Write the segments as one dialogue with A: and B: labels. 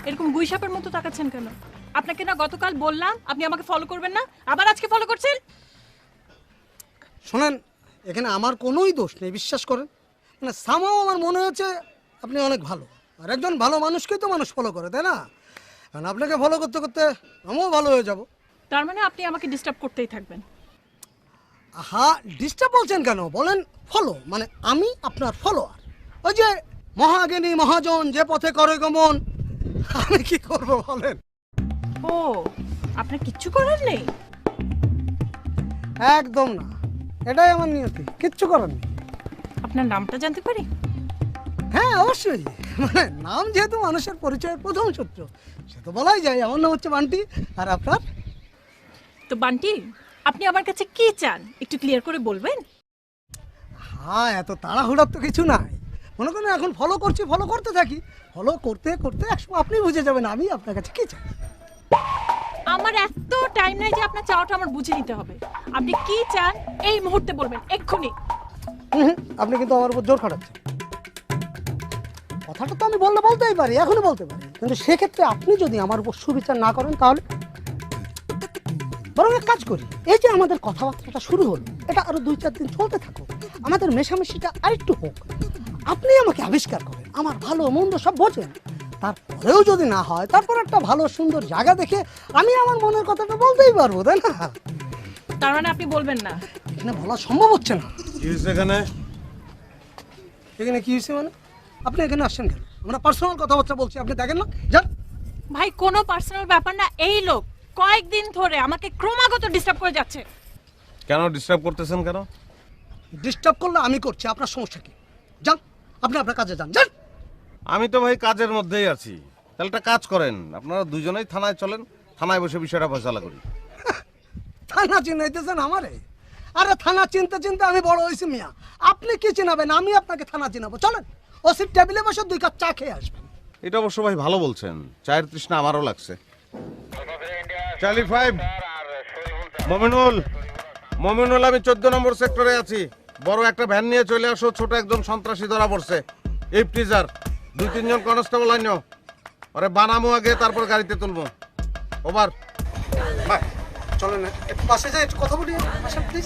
A: এরকম গুইসাপের মতো তাকাচ্ছেন কেন? আপনাকে না গতকাল বললাম আপনি আমাকে ফলো করবেন না, আবার আজকে ফলো করছেন?
B: শোনেন, এখানে আমার কোনোই দোষ নেই, বিশ্বাস করেন। মানে সামাও আমার মনে হচ্ছে আপনি অনেক ভালো, আর একজন ভালো মানুষকেই তো মানুষ ফলো করে, তাই না? কারণ আপনাকে ফলো করতে করতে আমিও ভালো হয়ে যাব।
A: তার মানে আপনি আমাকে ডিস্টার্ব করতেই থাকবেন?
B: হ্যাঁ, ডিস্টার্ব বলছেন কেন? বলেন ফলো, মানে আমি আপনার ফলোয়ার। ওই যে মহাজ্ঞানী মহাজন যে পথে করে গমন, আমি কি করব বলেন?
A: ও, আপনার কিচ্ছু করার নেই?
B: একদম না, এটাই আমার নিয়তি, কিচ্ছু করার নেই।
A: আপনার নামটা জানতে পারি?
B: হ্যাঁ অবশ্যই, মানে নাম যেহেতু মানুষের পরিচয়ের প্রথম সূত্র, সে তো বলাই যায়। আমার নাম হচ্ছে বান্টি, আর আপনার?
A: তো বান্টি, আপনি আমার কাছে কি চান একটু ক্লিয়ার করে বলবেন?
B: হ্যাঁ, এত তাড়াহুড়ার তো কিছু নাই। মনে করেন এখন ফলো করছি, ফলো করতে থাকি, ফলো করতে করতে একসময় আপনি বুঝে যাবেন আমি আপনার কাছে কি চাই।
A: আমার এত টাইম নাই যে আপনার চাওয়াটা আমার বুঝে নিতে হবে। আপনি কি চান এই মুহূর্তে বলবেন, এক্ষুনি।
B: আপনি কিন্তু আমার উপর জোর খাটাচ্ছেন। কথাটা তো আমি বলতেই পারি, এখনই বলতে পারি, কিন্তু সেক্ষেত্রে আপনি যদি আমার উপর সুবিচার না করেন তাহলে বরং এক কাজ করি, এই যে আমাদের কথাবার্তাটা শুরু হলো, এটা আরো 2-4 দিন চলতে থাকুক, আমাদের মেশামেশিটা আরেকটু হোক। আপনি আমাকে আবিষ্কার করেন, আমার ভালো মন্দ সব বোঝেন, তারপরেও যদি না হয়, তারপর একটা ভালো সুন্দর জায়গা দেখে আমি আমার মনের কথাটা বলতেই পারবো, তাই না?
A: তার মানে আপনি বলবেন না?
B: এখানে বলা সম্ভব হচ্ছে না।
C: কি হয়েছে এখানে?
B: এখানে কি হয়েছে মানে? আপনি এখানে আসছেন কেন? আমরা পার্সোনাল কথাবার্তা বলছি, আপনি দেখেন না? যান।
A: ভাই, কোনো পার্সোনাল ব্যাপার না। এই লোক কয়েকদিন ধরে আমাকে ক্রমাগত ডিস্টার্ব করে যাচ্ছে।
C: কেন ডিস্টার্ব করতেছেন কেন?
B: ডিস্টার্ব করলে আমি করছি, আপনার সমস্যা কি? যান, আপনি আপনার কাজে যান, যান।
C: আমি তো ভাই কাজের মধ্যেই আছি। তাহলে একটা কাজ করেন, আপনারা দুজনেই থানায় চলেন, থানায় বসে বিষয়টা ফয়সালা করি।
B: থানা চিনাইতেছেন আমারে? আরে থানা চিনতে চিনতে আমি বড় হয়েছি মিয়া, আপনি কি চিনাবেন? আমি আপনাকে থানা চিনাবো। চলেন, ওসির টেবিলে বসে 2 কাপ চা খেয়ে আসবেন।
C: এটা অবশ্য ভাই ভালো বলছেন, চায়ের তৃষ্ণা আমারও লাগছে। চার্লি 5 মমিনুল, মমিনুল, আমি 14 নম্বর সেক্টরে আছি। বড় একটা ভ্যান নিয়ে চলে আসো, ছোট একজন সন্ত্রাসী ধরা পড়ছে। এই প্রিজার 2-3 জন কনস্টেবল আইনো, আরে বানামো আগে, তারপর গাড়িতে তুলবো। ওভার।
B: ভাই চলেন না, একটু পাশে যাই, একটু কথা বলি। আসেন প্লিজ।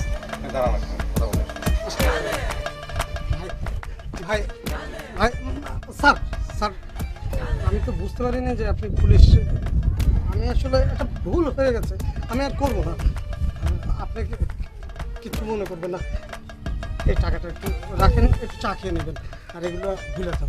B: ভাই ভাই, স্যার স্যার, আমি তো বুঝতে পারিনি যে আপনি পুলিশ। আমি আসলে একটা ভুল হয়ে গেছে, আমি আর করবো না। আপনি কিছু মনে করবেন না, এই টাকাটা একটু রাখেন, একটু চা খেয়ে নেবেন, আর এগুলো ভুলে যান।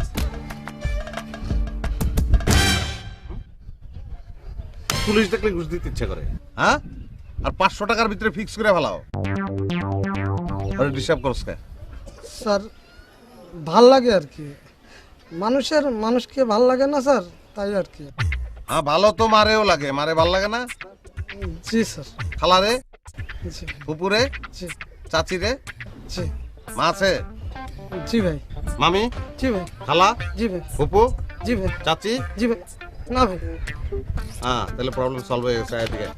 C: পুলিশ দেখলে ঘুষ দিতে ইচ্ছে করে, হ্যাঁ? আর 500 টাকার ভিতরে ফিক্স করে ফেলাও। আরে ডিস্টার্ব করছ কে?
B: স্যার ভাল লাগে আর কি, মানুষকে ভাল লাগে না স্যার, তাই আর কি।
C: হ্যাঁ, ভালো তো মারেও লাগে, মারে ভাল লাগে না?
B: জি স্যার।
C: খালারে,
B: জি
C: পুপুরে,
B: জি
C: চাচিরে,
B: জি
C: মা আছে?
B: জি ভাই।
C: মামি,
B: জি ভাই।
C: খালা,
B: জি ভাই।
C: পুপু,
B: জি ভাই।
C: চাচি?
B: জি ভাই। না ভাই।
C: হ্যাঁ, তাহলে প্রবলেম সলভ হয়ে গেছে। এদিকে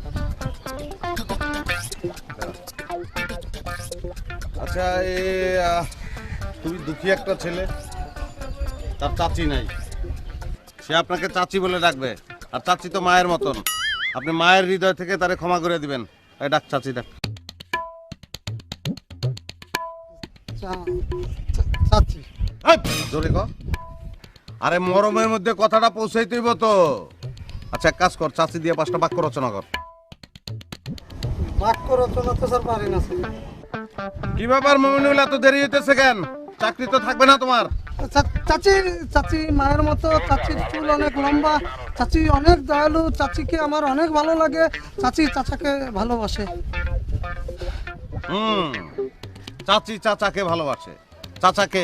C: আচ্ছা, তুমি দুঃখী একটা ছেলে, তার চাচি নাই, সে আপনাকে চাচি বলে ডাকবে। আর চাচি তো মায়ের মতন, আপনি মায়ের হৃদয় থেকে তারে ক্ষমা করে দিবেন। এই ডাক চাচি, ডাক।
B: চাচি।
C: এই, জোরে ক। আরে মরমের মধ্যে কথাটা পৌঁছাইতেইব তো। আচ্ছা, এক কাজ কর, চাচি দিয়ে 5টা বাক্য রচনা কর।
B: বাক্য রচনা তো স্যার পারি না স্যার।
C: কি ব্যাপার মমিনুল, এত দেরি হইতেছে কেন? চাকরি তো থাকবে না তোমার?
B: চাচি মায়ের মতো, চাচির চুল অনেক লম্বা, চাচি অনেক দয়ালু, চাচিকে আমার অনেক ভালো লাগে, চাচি চাচাকে ভালোবাসে।
C: চাচি চাচাকে ভালোবাসে, চাচাকে?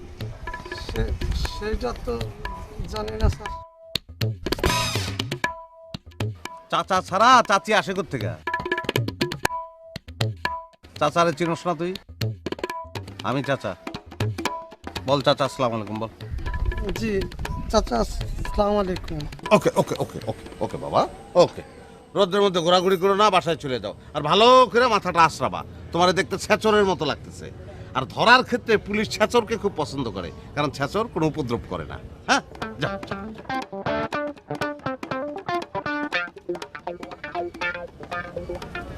B: সেটা তো জানি না স্যার।
C: চাচা ছাড়া চাচি আসে কোত্থেকে? চাচারে চিনস না তুই? আমি চাচা। বল চাচা, আসসালামু আলাইকুম বল।
B: জি চাচা, আসসালামু আলাইকুম।
C: ওকে ওকে ওকে ওকে ওকে বাবা, ওকে। রোদ্রের মধ্যে ঘোরাঘুরি করো না, বাসায় চলে যাও। আর ভালো করে মাথাটা আশ্রাবা, তোমার দেখতে ছেচরের মতো লাগতেছে। আর ধরার ক্ষেত্রে পুলিশ ছেচরকে খুব পছন্দ করে, কারণ ছেচর কোনো উপদ্রব করে না। হ্যাঁ, যাও।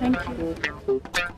A: Thank you